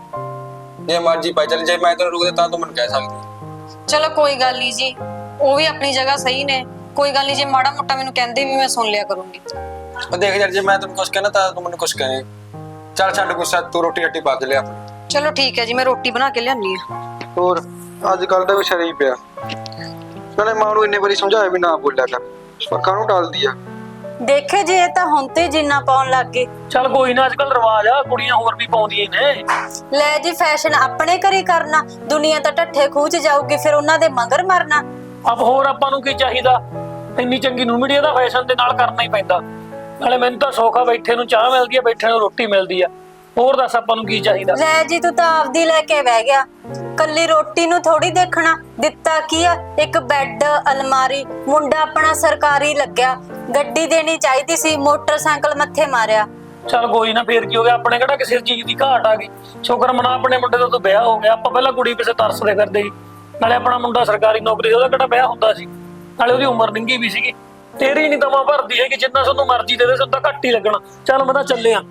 Speaker 7: ਜੇ ਮਰਜ਼ੀ ਪਾਈ ਚੱਲ। ਜੇ ਮੈਂ ਤੈਨੂੰ ਰੋਕਦਾ ਤਾਂ ਤੂੰ ਮੈਨੂੰ ਕਹਿ ਸਕਦੀ।
Speaker 2: ਚਲੋ ਕੋਈ ਗੱਲ ਨਹੀਂ ਜੀ, ਉਹ ਵੀ ਆਪਣੀ ਜਗ੍ਹਾ ਸਹੀ ਨੇ, ਕੋਈ ਗੱਲ ਨਹੀਂ। ਜੇ ਮਾੜਾ ਮੋਟਾ ਮੈਨੂੰ ਕਹਿੰਦੇ ਵੀ ਮੈਂ ਸੁਣ ਲਿਆ ਕਰੂੰਗੀ।
Speaker 7: ਉਹ ਦੇਖ ਯਾਰ, ਜੇ ਮੈਂ ਤੈਨੂੰ ਕੁਝ ਕਹਿਣਾ ਤਾਂ ਤੂੰ ਮੈਨੂੰ ਕੁਝ ਕਹੇ। ਚੱਲ ਛੱਡ ਗੁੱਸਾ, ਤੂੰ ਰੋਟੀ ਰੱਟੀ ਪਾ ਕੇ ਲਿਆ।
Speaker 2: ਚਲੋ ਠੀਕ ਹੈ ਜੀ, ਮੈਂ ਰੋਟੀ ਬਣਾ ਕੇ ਲਿਆਨੀ ਆ।
Speaker 7: ਹੋਰ ਅੱਜ ਕੱਲ ਦਾ ਵੀ ਸ਼ਰੀਫ ਪਿਆ, ਨਾਲੇ ਮਾਂ ਨੂੰ ਇੰਨੇ ਵਾਰੀ ਸਮਝਾਇਆ ਵੀ ਨਾ ਬੋਲਿਆ ਕਰ, ਪਰ ਕਾਹਨੂੰ ਟਾਲਦੀ ਆ।
Speaker 3: ਦੇਖੇ ਜੇ ਇਹ ਤਾਂ ਹੁਣ ਤੇ ਜਿੰਨਾ ਪਾਉਣ ਲੱਗ ਗਏ।
Speaker 4: ਚੱਲ ਕੋਈ ਨਾ, ਅੱਜ ਕੱਲ ਰਿਵਾਜ ਆ, ਕੁੜੀਆਂ ਹੋਰ ਵੀ ਪਾਉਂਦੀਆਂ ਨੇ।
Speaker 3: ਲੈ ਜੀ, ਫੈਸ਼ਨ ਆਪਣੇ ਘਰੇ ਕਰਨਾ, ਦੁਨੀਆ ਤਾਂ ਢੱਠੇ ਖੂਚ ਜਾਊਗੀ, ਫਿਰ ਉਹਨਾਂ ਦੇ ਮਗਰ ਮਰਨਾ।
Speaker 4: ਅਬ ਹੋਰ ਆਪਾਂ ਨੂੰ ਕੀ ਚਾਹੀਦਾ, ਇੰਨੀ ਚੰਗੀ ਨੂੰ ਮੀਡੀਆ ਦਾ ਫੈਸ਼ਨ ਦੇ ਨਾਲ ਕਰਨਾ ਹੀ ਪੈਂਦਾ। ਨਾਲੇ ਮੈਨੂੰ ਤਾਂ ਸੌਖਾ, ਬੈਠੇ ਨੂੰ ਚਾਹ ਮਿਲਦੀ ਆ, ਬੈਠੇ ਨੂੰ ਰੋਟੀ ਮਿਲਦੀ ਆ, ਹੋਰ ਦੱਸ ਆਪਾਂ ਨੂੰ ਕੀ ਚਾਹੀਦਾ।
Speaker 3: ਲੈ ਜੀ, ਤੂੰ ਤਾਂ ਆਪਦੀ ਲੈ ਕੇ ਬਹਿ ਗਿਆ, ਕੱਲੀ ਰੋਟੀ ਨੂੰ ਥੋੜੀ ਦੇਖਣਾ। ਦਿੱਤਾ ਕੀ ਆ? ਇੱਕ ਬੈੱਡ, ਅਲਮਾਰੀ। ਮੁੰਡਾ ਆਪਣਾ ਸਰਕਾਰੀ ਲੱਗਿਆ, ਗੱਡੀ ਦੇਣੀ ਚਾਹੀਦੀ ਸੀ, ਮੋਟਰਸਾਈਕਲ ਮੱਥੇ ਮਾਰਿਆ।
Speaker 4: ਚੱਲ ਕੋਈ ਨਾ, ਫੇਰ ਕੀ ਹੋ ਗਿਆ, ਆਪਣੇ ਕਿਹੜਾ ਕਿਸੇ ਚੀਜ਼ ਦੀ ਘਾਟ ਆ ਗਈ। ਸ਼ੁਕਰ ਮਨਾ ਆਪਣੇ ਮੁੰਡੇ ਦਾ ਤਾਂ ਵਿਆਹ ਹੋ ਗਿਆ, ਆਪਾਂ ਪਹਿਲਾਂ ਕੁੜੀ ਪਿੱਛੇ ਤਰਸਦੇ ਫਿਰਦੇ ਸੀ। ਨਾਲੇ ਆਪਣਾ ਮੁੰਡਾ ਸਰਕਾਰੀ ਨੌਕਰੀ, ਉਹਦਾ ਕਿਹੜਾ ਵਿਆਹ ਹੁੰਦਾ ਸੀ, ਨਾਲੇ ਉਹਦੀ ਉਮਰ ਨਿੰਗੀ ਵੀ ਸੀਗੀ। ਤੇਰੀ ਨਹੀਂ ਦਵਾ ਭਰਦੀ ਹੈਗੀ, ਜਿੰਨਾ ਸਾਨੂੰ ਮਰਜ਼ੀ ਦੇ ਦੇ, ਸਾਨੂੰ ਤਾਂ ਘੱਟ ਹੀ ਲੱਗਣਾ। ਚੱਲ ਮੈਂ ਤਾਂ ਚੱਲਿਆ।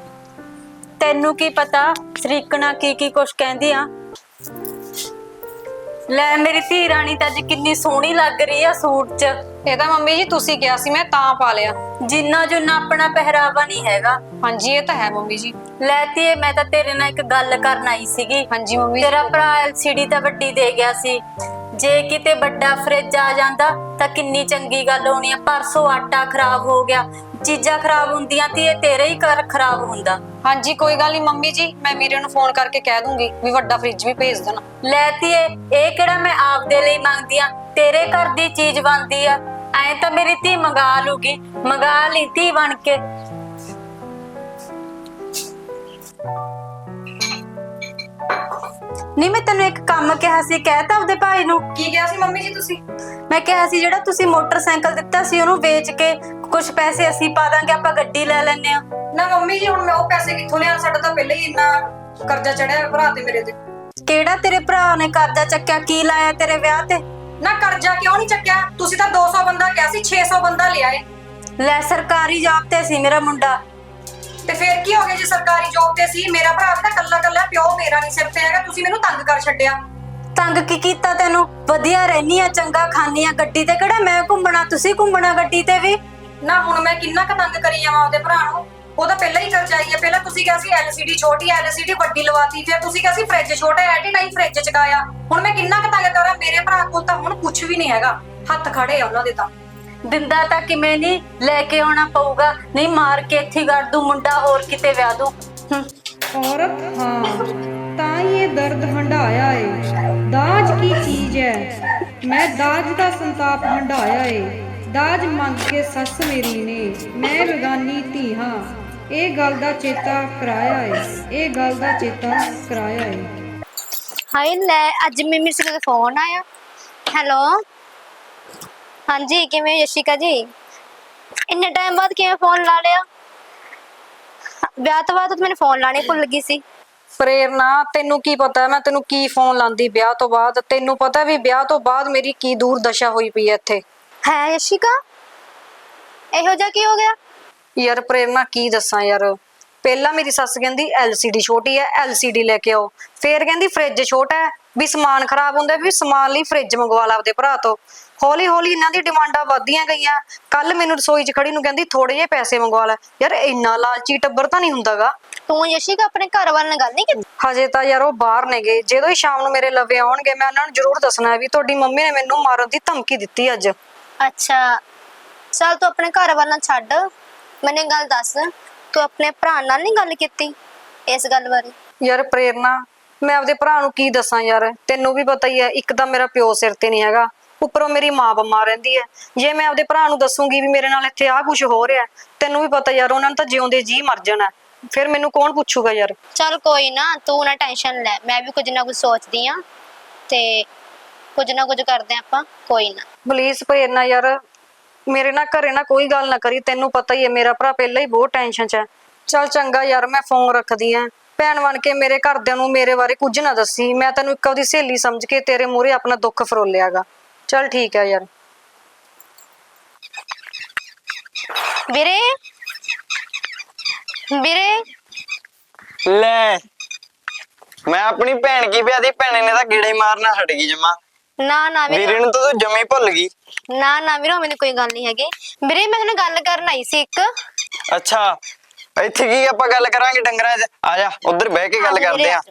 Speaker 3: ਤੈਨੂੰ ਕੀ ਪਤਾ ਸਰੀਕਣਾ ਕੀ ਕੁਛ ਕਹਿੰਦੀ ਆ। ਲੈ ਮੇਰੀ ਧੀ ਰਾਣੀ ਤਾਂ ਅੱਜ ਕਿੰਨੀ ਸੋਹਣੀ ਲੱਗ ਰਹੀ ਆ ਸੂਟ 'ਚ।
Speaker 2: ਇਹ ਤਾਂ ਮੰਮੀ ਜੀ ਤੁਸੀਂ ਕਿਹਾ ਸੀ, ਮੈਂ ਤਾਂ ਪਾ ਲਿਆ।
Speaker 3: ਜਿੰਨਾ ਜੁਨਾ ਆਪਣਾ ਪਹਿਰਾਵਾ ਨਹੀਂ ਹੈਗਾ।
Speaker 2: ਹਾਂਜੀ ਇਹ ਤਾਂ ਹੈ ਮੰਮੀ ਜੀ।
Speaker 3: ਲੈ ਧੀਏ, ਮੈਂ ਤਾਂ ਤੇਰੇ ਨਾਲ ਇੱਕ ਗੱਲ ਕਰਨ ਆਈ ਸੀਗੀ।
Speaker 2: ਹਾਂਜੀ ਮੰਮੀ।
Speaker 3: ਤੇਰਾ ਭਰਾ LCD ਤਾਂ ਵੱਡੀ ਦੇ ਗਿਆ ਸੀ, ਜੇ ਕਿਤੇ ਵੱਡਾ ਫਰਿੱਜ ਆ ਜਾਂਦਾ ਤਾਂ ਕਿੰਨੀ ਚੰਗੀ ਗੱਲ ਹੋਣੀ ਆ। ਪਰਸੋਂ ਆਟਾ ਖਰਾਬ ਹੋ ਗਿਆ, ਚੀਜ਼ਾਂ ਖਰਾਬ ਹੁੰਦੀਆਂ ਤੀ, ਇਹ ਤੇਰੇ ਹੀ ਘਰ ਖਰਾਬ ਹੁੰਦਾ।
Speaker 2: ਹਾਂਜੀ ਕੋਈ ਗੱਲ ਨਹੀਂ ਮੰਮੀ ਜੀ, ਮੈਂ ਵੀਰੇ ਨੂੰ ਫੋਨ ਕਰਕੇ ਕਹਿ ਦੂੰਗੀ ਵੀ ਵੱਡਾ ਫ੍ਰਿਜ ਵੀ ਭੇਜ ਦੇਣਾ।
Speaker 3: ਲੈ ਧੀਏ, ਇਹ ਕਿਹੜਾ ਮੈਂ ਆਪਦੇ ਲਈ ਮੰਗਦੀ ਆ, ਤੇਰੇ ਘਰ ਦੀ ਚੀਜ਼ ਬਣਦੀ ਆ। ਐ ਤਾਂ ਮੇਰੀ ਧੀ ਮੰਗਾ ਲੂਗੀ, ਮੰਗਾ ਲਈ ਧੀ ਬਣ ਕੇ। ਨਹੀਂ ਮੈਂ ਤੈਨੂੰ ਇੱਕ ਕੰਮ ਕਿਹਾ ਸੀ, ਕਹਿਤਾ ਉਹਦੇ ਭਾਈ ਨੂੰ।
Speaker 2: ਕੀ ਕਿਹਾ ਸੀ ਮੰਮੀ ਜੀ ਤੁਸੀਂ?
Speaker 3: ਮੈਂ ਕਿਹਾ ਸੀ ਜਿਹੜਾ ਤੁਸੀਂ ਮੋਟਰਸਾਈਕਲ ਦਿੱਤਾ ਸੀ ਉਹਨੂੰ ਵੇਚ ਕੇ ਕੁਝ ਪੈਸੇ ਅਸੀਂ ਪਾ ਦਾਂਗੇ, ਆਪਾਂ ਗੱਡੀ ਲੈ ਲੈਨੇ ਆ।
Speaker 2: ਨਾ ਮੰਮੀ ਜੀ ਹੁਣ ਮੈਂ ਉਹ ਪੈਸੇ ਕਿੱਥੋਂ ਲਿਆ? ਸਾਡਾ ਤਾਂ ਪਹਿਲਾਂ ਹੀ ਇੰਨਾ ਕਰਜ਼ਾ ਚੜਿਆ ਹੋਇਆ ਭਰਾ ਤੇ ਮੇਰੇ ਤੇ।
Speaker 3: ਕਿਹੜਾ ਤੇਰੇ ਭਰਾ ਨੇ ਕਰਜ਼ਾ ਚੱਕਿਆ? ਕੀ ਲਾਇਆ ਤੇਰੇ ਵਿਆਹ ਤੇ?
Speaker 2: ਨਾ ਕਰਜ਼ਾ ਕਿਉਂ ਨਹੀਂ ਚੱਕਿਆ? ਤੁਸੀਂ ਤਾਂ 200 ਬੰਦਾ ਕਿਹਾ ਸੀ, 600 ਬੰਦਾ ਲਿਆ ਏ।
Speaker 3: ਲੈ ਸਰਕਾਰੀ ਜੌਬ ਤੇ ਸੀ ਮੇਰਾ ਮੁੰਡਾ।
Speaker 2: ਤੇ ਫੇਰ ਕੀ ਹੋ ਗਿਆ ਜੇ ਸਰਕਾਰੀ ਜੌਬ ਤੇ ਸੀ? ਮੇਰਾ ਭਰਾ ਤਾਂ ਕੱਲਾ ਕੱਲਾ ਪਿਓ ਮੇਰਾ ਨਹੀਂ ਸਿਰ ਤੇ ਹੈਗਾ, ਤੁਸੀਂ ਮੈਨੂੰ ਤੰਗ ਕਰ ਛੱਡਿਆ।
Speaker 3: ਤੰਗ ਕੀ ਕੀਤਾ ਤੈਨੂੰ? ਵਧੀਆ ਰਹਿਨੀ ਆ, ਚੰਗਾ ਖਾਨੀ ਆ, ਗੱਡੀ ਤੇ ਕਿਹੜਾ ਮੈਂ ਘੁੰਮਣਾ, ਤੁਸੀਂ ਘੁੰਮਣਾ ਗੱਡੀ ਤੇ ਵੀ।
Speaker 2: ਨਾ ਹੁਣ ਮੈਂ ਕਿੰਨਾ ਕੁ ਤੰਗ ਕਰੀ ਜਾਵਾਂ ਉਹਦੇ ਭਰਾ ਨੂੰ? ਉਹਦਾ ਪਹਿਲਾਂ ਹੀ ਕਰਜ਼ਾਈ ਹੈ। ਪਹਿਲਾਂ ਤੁਸੀਂ ਕਿਹਾ ਸੀ LCD ਛੋਟੀ LCD ਵੱਡੀ ਲਵਾਤੀ, ਫਿਰ ਤੁਸੀਂ ਕਿਹਾ ਸੀ ਫ੍ਰਿਜ ਛੋਟਾ ਐਟੀਨਾਈ ਫ੍ਰਿਜ ਚਕਾਇਆ। ਹੁਣ ਮੈਂ ਕਿੰਨਾ ਕੁ ਤੰਗ ਕਰਾਂ? ਮੇਰੇ ਭਰਾ ਕੋਲ ਤਾਂ ਹੁਣ ਕੁਝ ਵੀ ਨਹੀਂ ਹੈਗਾ, ਹੱਥ ਖੜੇ ਆ ਉਹਨਾਂ ਦੇ ਤਾਂ।
Speaker 3: ਦਿੰਦਾ ਤਾਂ ਕਿਵੇਂ ਨਹੀਂ, ਲੈ ਕੇ ਆਉਣਾ ਪਊਗਾ, ਨਹੀਂ ਮਾਰ ਕੇ ਇੱਥੇ ਕਰ ਦੂੰ, ਮੁੰਡਾ ਹੋਰ ਕਿਤੇ ਵਿਆਹ ਦੂੰ।
Speaker 8: औरत हाँ ਤਾਂ ਇਹ ਦਰਦ ਹੰਢਾਇਆ ਏ। ਦਾਜ ਕੀ ਚੀਜ਼ ਹੈ, ਮੈਂ ਦਾਜ ਦਾ ਸੰਤਾਪ ਹੰਢਾਇਆ ਏ। ਦਾਜ ਮੰਗ ਕੇ ਸੱਸ ਮੇਰੀ ਨੇ, ਮੈਂ ਬੇਗਾਨੀ ਧੀ ਹਾਂ, ਇਹ ਗੱਲ ਦਾ ਚੇਤਾ ਕਰਾਇਆ ਏ, ਇਹ ਗੱਲ ਦਾ ਚੇਤਾ ਕਰਾਇਆ ਏ।
Speaker 1: ਹਾਏ ਲੈ, ਅੱਜ ਮੰਮੀ ਸਿੰਘ ਦਾ ਫੋਨ ਆਇਆ। ਹੈਲੋ ਹਾਂਜੀ, ਕਿਵੇਂ ਹੋ ਯਸ਼ਿਕਾ ਜੀ? ਇੰਨੇ ਟਾਈਮ ਬਾਅਦ ਕਿਵੇਂ ਫੋਨ ਲਾ ਲਿਆ? ਵਿਆਹ ਤੋਂ ਬਾਅਦ ਤਾਂ ਮੈਨੂੰ ਫੋਨ ਲਾਣੇ ਭੁੱਲ ਗਈ ਸੀ।
Speaker 2: ਪ੍ਰੇਰਨਾ, ਤੈਨੂੰ ਕੀ ਪਤਾ ਮੈਂ ਤੈਨੂੰ ਕੀ ਫੋਨ ਲਾਂਦੀ ਵਿਆਹ ਤੋਂ ਬਾਅਦ? ਤੈਨੂੰ ਪਤਾ ਵੀ ਵਿਆਹ ਤੋਂ ਬਾਅਦ ਮੇਰੀ ਕੀ ਦੂਰ ਦਸ਼ਾ ਹੋਈ ਪਈ ਐ ਇੱਥੇ।
Speaker 1: ਹੈ ਯਸ਼ਿਕਾ, ਇਹੋ ਜਿਹਾ ਕੀ ਹੋ ਗਿਆ?
Speaker 2: ਯਾਰ ਪ੍ਰੇਰਨਾ ਕੀ ਦੱਸਾਂ ਯਾਰ, ਪਹਿਲਾਂ ਮੇਰੀ ਸੱਸ ਕਹਿੰਦੀ LCD ਛੋਟੀ ਐ LCD ਲੈ ਕੇ ਆਓ, ਫੇਰ ਕਹਿੰਦੀ ਫ੍ਰਿਜ ਛੋਟਾ ਹੈ ਵੀ ਸਮਾਨ ਖਰਾਬ ਹੁੰਦਾ, ਵੀ ਸਮਾਨ ਲਈ ਫ੍ਰਿਜ ਮੰਗਵਾ ਲਾ ਆਪਦੇ ਭਰਾ ਤੋਂ। ਹੌਲੀ ਹੌਲੀ ਇਹਨਾਂ ਦੀ ਡਿਮਾਂਡਾਂ ਵੱਧਦੀਆਂ ਗਈਆਂ। ਕੱਲ ਮੈਨੂੰ ਰਸੋਈ 'ਚ ਖੜੀ ਨੂੰ ਕਹਿੰਦੀ ਥੋੜੇ ਜਿਹੇ ਪੈਸੇ ਮੰਗਵਾ ਲੈ। ਯਾਰ ਇੰਨਾ ਲਾਲਚੀ ਟੱਬਰ ਤਾਂ ਨਹੀਂ ਹੁੰਦਾਗਾ।
Speaker 1: ਤੂੰ ਯਸ਼ਿਕਾ ਆਪਣੇ ਘਰ ਵਾਲ ਨਾਲ ਗੱਲ ਨਹੀਂ ਕੀਤੀ?
Speaker 2: ਹਜੇ ਤਾਂ ਯਾਰ ਉਹ ਬਾਹਰ ਨੇਗੇ, ਜਦੋਂ ਹੀ ਸ਼ਾਮ ਨੂੰ ਮੇਰੇ ਲਵੇ ਆਉਣਗੇ ਮੈਂ ਉਹਨਾਂ ਨੂੰ ਜ਼ਰੂਰ ਦੱਸਣਾ ਵੀ ਤੁਹਾਡੀ ਮੰਮੀ ਨੇ ਮੈਨੂੰ ਮਾਰਨ ਦੀ ਧਮਕੀ ਦਿੱਤੀ ਅੱਜ।
Speaker 1: ਅੱਛਾ ਚੱਲ, ਤੂੰ ਆਪਣੇ ਘਰ ਵਾਲ ਨਾਲ ਛੱਡ, ਮੈਨੂੰ ਇੱਕ ਗੱਲ ਦੱਸ, ਤੂੰ ਆਪਣੇ ਭਰਾ ਨਾਲ ਨਹੀਂ ਗੱਲ ਕੀਤੀ ਇਸ ਗੱਲ ਬਾਰੇ?
Speaker 2: ਯਾਰ ਪ੍ਰੇਰਨਾ, ਮੈਂ ਆਪਦੇ ਭਰਾ ਨੂੰ ਕੀ ਦੱਸਾਂ ਯਾਰ, ਤੈਨੂੰ ਵੀ ਪਤਾ ਹੀ ਹੈ, ਇੱਕ ਤਾਂ ਮੇਰਾ ਪਿਓ ਸਿਰ ਤੇ ਨਹੀਂ ਹੈਗਾ, ਉੱਪਰੋਂ ਮੇਰੀ ਮਾਂ ਬਿਮਾਰ ਰਹਿੰਦੀ ਹੈ। ਜੇ ਮੈਂ ਆਪਦੇ ਭਰਾ ਨੂੰ ਦੱਸੂਗੀ ਵੀ ਮੇਰੇ ਨਾਲ ਇੱਥੇ ਆਹ ਕੁਝ ਹੋ ਰਿਹਾ, ਤੈਨੂੰ ਵੀ ਪਤਾ ਯਾਰ ਉਹਨਾਂ ਨੇ ਤਾਂ ਜਿਉਂਦੇ ਜੀ ਮਰ ਜਾਣਾ, ਫਿਰ ਮੈਨੂੰ ਕੌਣ ਪੁੱਛੂਗਾ ਯਾਰ।
Speaker 1: ਚੱਲ ਕੋਈ ਨਾ, ਤੂੰ ਨਾ ਟੈਨਸ਼ਨ ਲੈ, ਮੈਂ ਵੀ ਕੁਝ ਨਾ ਕੁਝ ਸੋਚਦੀ ਆ ਤੇ ਕੁਝ ਨਾ ਕੁਝ ਕਰਦੇ ਆ ਆਪਾਂ, ਕੋਈ ਨਾ।
Speaker 2: ਪਲੀਜ਼ ਪ੍ਰੇਰਨਾ ਯਾਰ, ਮੇਰੇ ਨਾਲ ਘਰੇ ਨਾ ਕੋਈ ਗੱਲ ਨਾ ਕਰੀ, ਤੈਨੂੰ ਪਤਾ ਹੀ ਹੈ ਮੇਰਾ ਭਰਾ ਪਹਿਲਾਂ ਹੀ ਬਹੁਤ ਟੈਨਸ਼ਨ 'ਚ ਹੈ। ਚੱਲ ਚੰਗਾ ਯਾਰ, ਮੈਂ ਫੋਨ ਰੱਖਦੀ ਆ। ਭੈਣ ਬਣ ਕੇ ਮੇਰੇ ਘਰਦਿਆਂ ਨੂੰ ਮੇਰੇ ਬਾਰੇ ਕੁਝ ਨਾ ਦੱਸੀ, ਮੈਂ ਤੈਨੂੰ ਇੱਕ ਉਹਦੀ ਸਹੇਲੀ ਸਮਝ ਕੇ ਤੇਰੇ ਮੂਹਰੇ ਆਪਣਾ ਦੁੱਖ ਫਰੋਲਿਆਗਾ। ਚੱਲ ਠੀਕ ਹੈ ਯਾਰ।
Speaker 1: ਵੀਰੇ ਵੀਰੇ,
Speaker 6: ਲੈ ਮੈਂ ਆਪਣੀ ਭੈਣ ਕੀ ਵਿਆਹ ਦੀ, ਭੈਣੇ ਨੇ ਤਾਂ ਗੇੜੇ ਮਾਰਨਾ ਛੱਡ ਗਈ ਜਮਾ।
Speaker 1: ਨਾ ਨਾ ਵੀਰੇ,
Speaker 6: ਵੀਰੇ ਨੂੰ ਤਾਂ ਤੂੰ ਜਮੀ ਭੁੱਲ ਗਈ।
Speaker 1: ਨਾ ਨਾ ਵੀਰੇ, ਮੈਨੂੰ ਕੋਈ ਗੱਲ ਨਹੀਂ ਹੈਗੀ ਵੀਰੇ, ਮੈਂ ਤੁਹਾਨੂੰ ਗੱਲ ਕਰਨ ਆਈ ਸੀ ਇੱਕ।
Speaker 6: ਅੱਛਾ, ਇੱਥੇ ਕੀ ਆਪਾਂ ਗੱਲ ਕਰਾਂਗੇ ਡੰਗਰਾਂ 'ਚ? ਆ ਜਾ ਉੱਧਰ ਬਹਿ ਕੇ ਗੱਲ ਕਰਦੇ ਆ।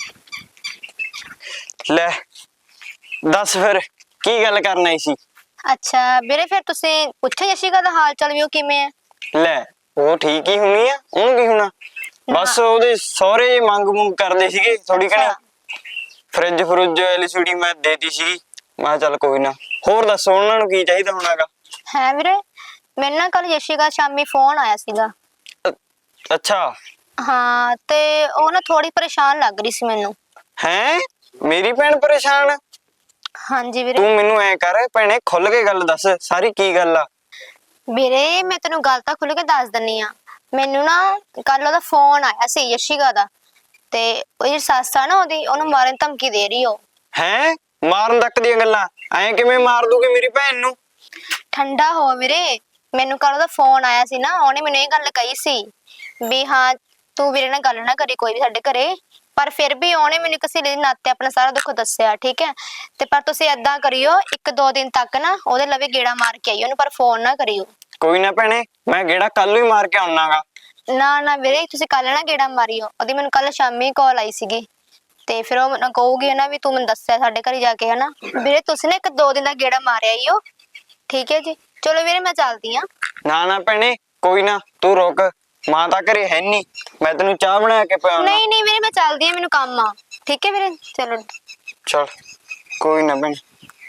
Speaker 6: ਲੈ ਦੱਸ ਫਿਰ ਕੀ ਗੱਲ ਕਰਨ ਆਈ ਸੀ?
Speaker 1: ਅੱਛਾ ਵੀਰੇ, ਫਿਰ ਤੁਸੀਂ ਪੁੱਛੋ ਯਸ਼ਿਕਾ ਦਾ ਹਾਲ ਚਾਲ ਵੀ, ਉਹ ਕਿਵੇਂ ਹੈ?
Speaker 6: ਲੈ ਉਹ ਠੀਕ ਹੀ ਹੋਣੀ ਆ, ਉਹਨੂੰ ਕੀ ਹੋਣਾ? ਬਸ ਉਹਦੇ ਸਹੁਰੇ ਮੰਗ ਮੁੰਗ ਕਰਦੇ ਸੀਗੇ ਥੋੜੀ ਘਣੀ, ਫ੍ਰਿਜ ਫਰੁਜ LCD ਮੈਂ ਦੇਤੀ ਸੀ। ਮੈਂ ਕਿਹਾ ਚੱਲ ਕੋਈ ਨਾ, ਹੋਰ ਦੱਸੋ ਉਹਨਾਂ ਨੂੰ ਕੀ ਚਾਹੀਦਾ ਹੋਣਾਗਾ?
Speaker 1: ਹੈ ਵੀਰੇ, ਮੈਨੂੰ ਨਾ ਕੱਲ ਯਸ਼ਿਕਾ ਸ਼ਾਮੀ ਫੋਨ ਆਇਆ ਸੀਗਾ।
Speaker 6: ਅੱਛਾ
Speaker 1: ਹਾਂ, ਤੇ ਉਹ ਨਾ ਥੋੜੀ ਪਰੇਸ਼ਾਨ ਲੱਗ ਰਹੀ ਸੀ ਮੈਨੂੰ।
Speaker 6: ਹੈ ਮੇਰੀ ਭੈਣ ਪਰੇਸ਼ਾਨ?
Speaker 1: ਹਾਂਜੀ ਵੀਰੇ।
Speaker 6: ਤੂੰ ਮੈਨੂੰ ਐ ਕਰ ਭੈਣੇ, ਖੁੱਲ ਕੇ ਗੱਲ ਦੱਸ, ਸਾਰੀ ਕੀ ਗੱਲ ਆ?
Speaker 1: ਵੀਰੇ ਮੈਂ ਤੈਨੂੰ ਗੱਲ ਤਾਂ ਖੁੱਲ ਕੇ ਦੱਸ ਦਿੰਨੀ ਆ। ਮੈਨੂੰ ਨਾ ਕੱਲ ਉਹਦਾ ਫੋਨ ਆਇਆ ਸੀ ਯਸ਼ਿਕਾ ਦਾ, ਤੇ ਉਹ ਜਿਹੜੀ ਸੱਸ ਆ ਨਾ ਉਹਦੀ, ਉਹਨੂੰ ਮਾਰਨ ਦੀ ਧਮਕੀ ਦੇ ਰਹੀ ਉਹ।
Speaker 6: ਹੈ ਮਾਰਨ ਤੱਕ ਦੀਆਂ ਗੱਲਾਂ? ਐਂ ਕਿਵੇਂ ਮਾਰ ਦੂਗੀ ਮੇਰੀ ਭੈਣ ਨੂੰ?
Speaker 1: ਠੰਡਾ ਹੋ ਵੀਰੇ, ਮੈਨੂੰ ਕੱਲ ਉਹਦਾ ਫੋਨ ਆਇਆ ਸੀ ਨਾ, ਉਹਨੇ ਮੈਨੂੰ ਇਹ ਗੱਲ ਕਹੀ ਸੀ ਵੀ ਹਾਂ ਤੂੰ ਵੀਰੇ ਨਾਲ ਗੱਲ ਨਾ ਕਰੀ ਕੋਈ ਵੀ ਸਾਡੇ ਘਰੇ, ਪਰ ਫਿਰ ਵੀ ਉਹਨੇ ਮੈਨੂੰ ਕਿਸੇ ਦੇ ਨਾਤੇ ਆਪਣਾ ਸਾਰਾ ਦੁੱਖ ਦੱਸਿਆ, ਠੀਕ ਹੈ? ਤੇ ਪਰ ਤੁਸੀਂ ਏਦਾਂ ਕਰਿਓ, 1-2 ਦਿਨ ਤੱਕ ਨਾ ਉਹਦੇ ਲਵੇ ਗੇੜਾ ਮਾਰ ਕੇ ਆਈਓ ਉਹਨੂੰ, ਪਰ ਫੋਨ ਨਾ ਕਰਿਓ।
Speaker 6: ਕੋਈ ਨਾ ਭੈਣੇ, ਮੈਂ ਗੇੜਾ ਕੱਲ ਹੀ ਮਾਰ ਕੇ ਆਉਣਾਗਾ।
Speaker 1: ਨਾ ਨਾ ਵੀਰੇ, ਤੁਸੀਂ ਕੱਲ ਨਾ ਗੇੜਾ ਮਾਰਿਓ, ਉਹਦੀ ਮੈਨੂੰ ਕੱਲ ਸ਼ਾਮੀ ਕਾਲ ਆਈ ਸੀਗੀ, ਤੇ ਫਿਰ ਉਹ ਮੈਨੂੰ ਕਹੂਗੀ ਨਾ ਵੀ ਤੂੰ ਮੈਨੂੰ ਦੱਸਿਆ ਸਾਡੇ ਘਰੇ ਜਾ ਕੇ, ਹਨਾ ਵੀਰੇ? ਤੁਸੀਂ ਨਾ 1-2 ਦਿਨ ਦਾ ਗੇੜਾ ਮਾਰਿਆ ਆਈਓ, ਠੀਕ ਹੈ ਜੀ? ਚਲੋ ਵੀਰੇ ਮੈਂ ਚੱਲਦੀ ਆ।
Speaker 6: ਨਾ ਨਾ ਭੈਣੇ, ਕੋਈ ਨਾ ਤੂੰ ਰੁਕ, ਮਾਂ ਤਾਂ ਘਰੇ ਹੈ ਨਹੀਂ, ਮੈਂ ਤੈਨੂੰ ਚਾਹ ਬਣਾ ਕੇ ਪਿਆਉਣਾ।
Speaker 1: ਨਹੀਂ ਨਹੀਂ ਵੀਰੇ ਮੈਂ ਚੱਲਦੀ ਆ, ਮੈਨੂੰ ਕੰਮ ਆ। ਠੀਕ ਹੈ ਵੀਰੇ, ਚਲੋ।
Speaker 6: ਚਲ ਕੋਈ ਨਾ ਭੈਣ।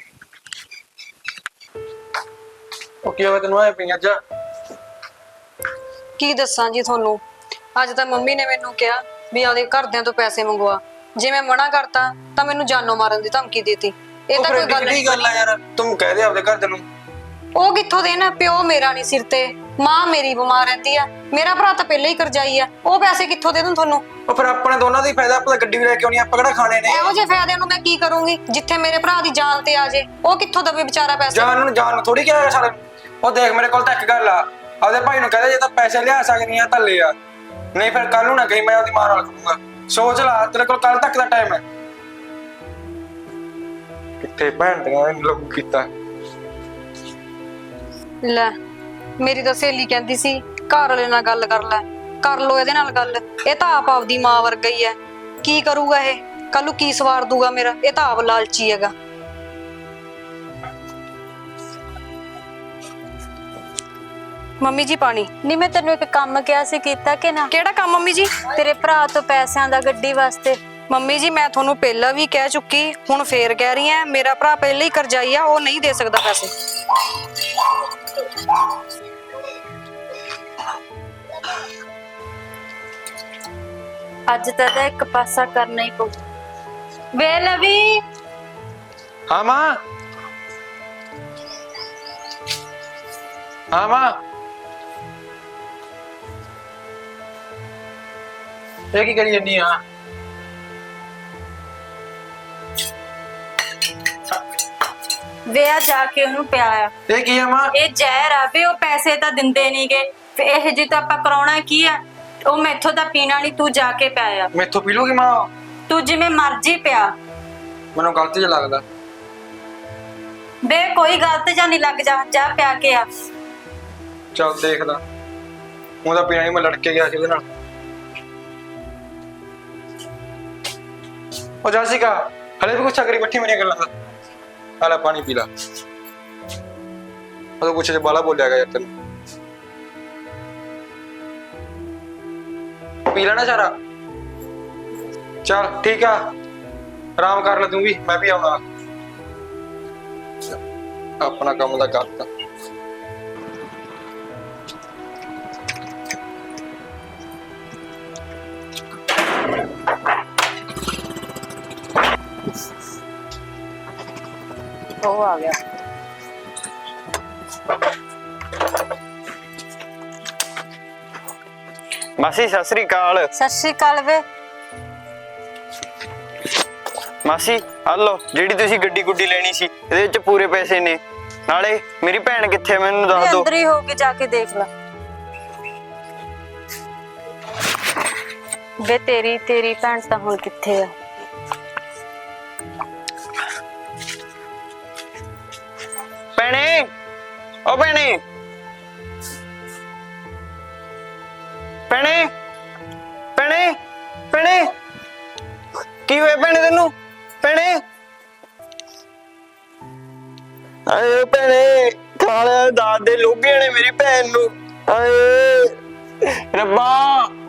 Speaker 7: ਉਹ ਕੀ ਹੋਇਆ ਤੈਨੂੰ ਆਏ ਪਈਆਂ ਜਾ?
Speaker 2: ਕੀ ਦੱਸਾਂ ਜੀ ਤੁਹਾਨੂੰ, ਅੱਜ ਤਾਂ ਮੰਮੀ ਨੇ ਮੈਨੂੰ ਕਿਹਾ ਵੀ ਆਪਦੇ ਘਰਦਿਆਂ ਤੋਂ ਪੈਸੇ ਮੰਗਵਾ। ਜੇ ਮੈਂ ਮਨਾ ਕਰਤਾ ਤਾਂ ਮੈਨੂੰ ਜਾਨੋਂ ਮਾਰਨ ਦੀ ਧਮਕੀ ਦੇਤੀ। ਇਹ ਤਾਂ ਕੋਈ ਗੱਲ ਨਹੀਂ।
Speaker 7: ਗੱਲ ਆ ਯਾਰ, ਤੂੰ ਕਹਿ ਦੇ ਆਪਦੇ ਘਰ ਨੂੰ।
Speaker 2: ਉਹ ਕਿੱਥੋਂ ਦੇ ਨਾ, ਪਿਓ ਮੇਰਾ ਨਹੀਂ ਸਿਰ ਤੇ, ਮਾਂ ਮੇਰੀ ਬਿਮਾਰ ਰਹਿੰਦੀ ਆ, ਮੇਰਾ ਭਰਾ ਤਾਂ ਪਹਿਲਾਂ ਹੀ ਕਰਜ਼ਾਈ ਆ, ਉਹ ਪੈਸੇ ਕਿੱਥੋਂ ਦੇ ਦੂੰ ਤੁਹਾਨੂੰ?
Speaker 7: ਉਹ ਫਿਰ ਆਪਣੇ ਦੋਨਾਂ ਦਾ ਹੀ ਫਾਇਦਾ, ਆਪਾਂ ਗੱਡੀ ਵੀ ਲੈ ਕੇ ਆਉਣੀ, ਆਪਾਂ ਕਿਹੜਾ ਖਾਣੇ ਨੇ?
Speaker 2: ਇਹੋ ਜਿਹੇ ਫਾਇਦੇ ਨੂੰ ਮੈਂ ਕੀ ਕਰੂੰਗੀ ਜਿੱਥੇ ਮੇਰੇ ਭਰਾ ਦੀ ਜਾਨ ਤੇ ਆ ਜੇ? ਉਹ ਕਿੱਥੋਂ ਦਵੇ ਵਿਚਾਰਾ ਪੈਸੇ?
Speaker 7: ਜਾਨ ਨੂੰ ਥੋੜੀ ਕਿਹਾ ਸਾਲੇ। ਉਹ ਦੇਖ ਮੇਰੇ ਕੋਲ ਤਾਂ ਇੱਕ ਗੱਲ ਆ, ਆਪਦੇ ਭਾਈ ਨੂੰ ਕਹਦੇ ਜੇ ਤਾਂ ਪੈਸੇ ਲਿਆ ਸਕਦੀਆਂ ਤਾਂ ਲੈ ਆ, ਨਹੀਂ ਫਿਰ ਕੱਲ ਨੂੰ ਨਾ ਕਹੀਂ ਮੈਂ ਉਹਦੀ ਮਾਂ ਨਾਲ ਕਰੂੰਗਾ। ਸੋਚ ਲਾ, ਤੇਰੇ ਕੋਲ ਕੱਲ ਤੱਕ ਦਾ ਟਾਈਮ ਹੈ। ਕਿੱਥੇ ਭੈਣ ਦੀਆਂ ਲੋਕ ਕੀਤਾ।
Speaker 2: ਲੈ ਮੇਰੀ ਤਾਂ ਸਹੇਲੀ ਕਹਿੰਦੀ ਸੀ ਘਰ ਵਾਲੇ ਨਾਲ ਗੱਲ ਕਰ ਲੈ, ਕਰ ਲੋ ਇਹਦੇ ਨਾਲ ਗੱਲ। ਇਹ ਤਾਂ ਆਪ ਆਪਦੀ ਮਾਂ ਵਰਗਾ ਹੀ ਹੈ, ਕੀ ਕਰੂਗਾ ਇਹ? ਕੱਲ ਨੂੰ ਕੀ ਸਵਾਰ ਦੂਗਾ ਮੇਰਾ? ਇਹ ਤਾਂ ਆਪ ਲਾਲਚੀ ਹੈਗਾ। ਮੰਮੀ ਜੀ ਪਾਣੀ।
Speaker 3: ਨਹੀਂ ਮੈਂ ਤੈਨੂੰ ਇੱਕ ਕੰਮ ਕਿਹਾ ਸੀ, ਕੀਤਾ ਕਿ ਨਾ?
Speaker 2: ਕਿਹੜਾ ਕੰਮ ਮੰਮੀ ਜੀ?
Speaker 3: ਤੇਰੇ ਭਰਾ ਤੋਂ ਪੈਸਿਆਂ ਦਾ ਗੱਡੀ ਵਾਸਤੇ।
Speaker 2: ਮੰਮੀ ਜੀ ਮੈਂ ਤੁਹਾਨੂੰ ਪਹਿਲਾਂ ਵੀ ਕਹਿ ਚੁੱਕੀ, ਹੁਣ ਫੇਰ ਕਹਿ ਰਹੀ ਆ, ਮੇਰਾ ਭਰਾ ਪਹਿਲਾਂ ਹੀ ਕਰਜ਼ਾਈ ਆ, ਉਹ ਨਹੀਂ ਦੇ ਸਕਦਾ ਪੈਸੇ।
Speaker 3: ਅੱਜ ਤਾਂ ਇਹਦਾ ਇੱਕ ਪਾਸਾ ਕਰਨਾ ਹੀ ਪਊ। ਵੇ ਲਵੀ,
Speaker 7: ਹਾਂ ਮਾਂ, ਹਾਂ ਮਾਂ, ਇਹ ਕੀ ਕਰੀ ਜੰਨੀ ਆ?
Speaker 3: ਵੇ ਆ ਜਾ ਕੇ ਉਹਨੂੰ ਪਿਆ ਆ।
Speaker 7: ਇਹ ਕੀ ਆ ਮਾਂ?
Speaker 3: ਇਹ ਜ਼ਹਿਰ ਆ ਵੇ, ਉਹ ਪੈਸੇ ਤਾਂ ਦਿੰਦੇ ਨਹੀਂਗੇ, ਫੇ ਇਹ ਜੀ ਤਾਂ ਆਪਾਂ ਕਰਾਉਣਾ ਕੀ ਆ? ਉਹ ਮੈਥੋਂ ਤਾਂ ਪੀਣਾ ਨਹੀਂ, ਤੂੰ ਜਾ ਕੇ ਪਿਆ ਆ।
Speaker 7: ਮੈਥੋਂ ਪੀ ਲੂਗੀ ਮਾਂ?
Speaker 3: ਤੂੰ ਜਿਵੇਂ ਮਰਜ਼ੀ ਪਿਆ।
Speaker 7: ਮੈਨੂੰ ਗਲਤ ਜਿਹਾ ਲੱਗਦਾ।
Speaker 3: ਵੇ ਕੋਈ ਗਲਤ ਜਾਂ ਨਹੀਂ ਲੱਗ, ਜਾ ਜਾ ਪਿਆ ਕੇ ਆ।
Speaker 7: ਚੱਲ ਦੇਖਦਾ, ਉਹਦਾ ਪੀਣਾ ਹੀ, ਮੈਂ ਲੜ ਕੇ ਗਿਆ ਸੀ ਉਹਦੇ ਨਾਲ। ਉਹ ਜਾਸਿਕਾ, ਹਲੇ ਵੀ ਗੁੱਸਾ ਕਰੀ ਬੱਠੀ ਮੇਰੀਆਂ ਗੱਲਾਂ ਦਾ। ਆਲਾ ਪਾਣੀ ਪੀ ਲਾ। ਉਹ ਕੁਛ ਜੇ ਬਾਲਾ ਬੋਲਿਆ ਗਿਆ ਯਾਰ ਤੈਨੂੰ। ਪੀ ਲੈਣਾ ਸਾਰਾ? ਚੱਲ ਠੀਕ ਆ, ਆਰਾਮ ਕਰ ਲੈ ਤੂੰ ਵੀ, ਮੈਂ ਵੀ ਆਉਣਾ। ਆਪਣਾ ਕੰਮ ਦਾ ਕਰਤਾ।
Speaker 3: ਉਹ ਆ ਗਿਆ।
Speaker 6: ਮਾਸੀ ਸਤਿ ਸ੍ਰੀ ਅਕਾਲ।
Speaker 3: ਸਤਿ ਸ਼੍ਰੀ ਅਕਾਲ ਵੇ।
Speaker 6: ਮਾਸੀ ਆ ਲਓ, ਜਿਹੜੀ ਤੁਸੀਂ ਗੱਡੀ ਗੁੱਡੀ ਲੈਣੀ ਸੀ, ਇਹਦੇ ਵਿੱਚ ਪੂਰੇ ਪੈਸੇ ਨੇ। ਨਾਲੇ ਮੇਰੀ ਭੈਣ ਕਿੱਥੇ ਮੈਨੂੰ ਦੱਸ ਦਿਓ।
Speaker 3: ਅੰਦਰ ਹੀ ਹੋ ਕੇ ਜਾ ਕੇ ਦੇਖ ਲੈ। ਵੇ ਤੇਰੀ ਭੈਣ ਤਾਂ ਹੁਣ ਕਿੱਥੇ ਆ?
Speaker 6: ਭੈਣੇ, ਓ ਭੈਣੇ, ਭੈਣੇ, ਭੈਣੇ, ਭੈਣੇ, ਕੀ ਹੋਇਆ ਭੈਣੇ ਤੈਨੂੰ? ਭੈਣੇ, ਆਏ ਭੈਣੇ, ਖਾਲਿਆ ਦਾਦ ਦੇ ਲੋਭੀਆਂ ਨੇ ਮੇਰੀ ਭੈਣ ਨੂੰ। ਆਏ ਰੱਬਾ।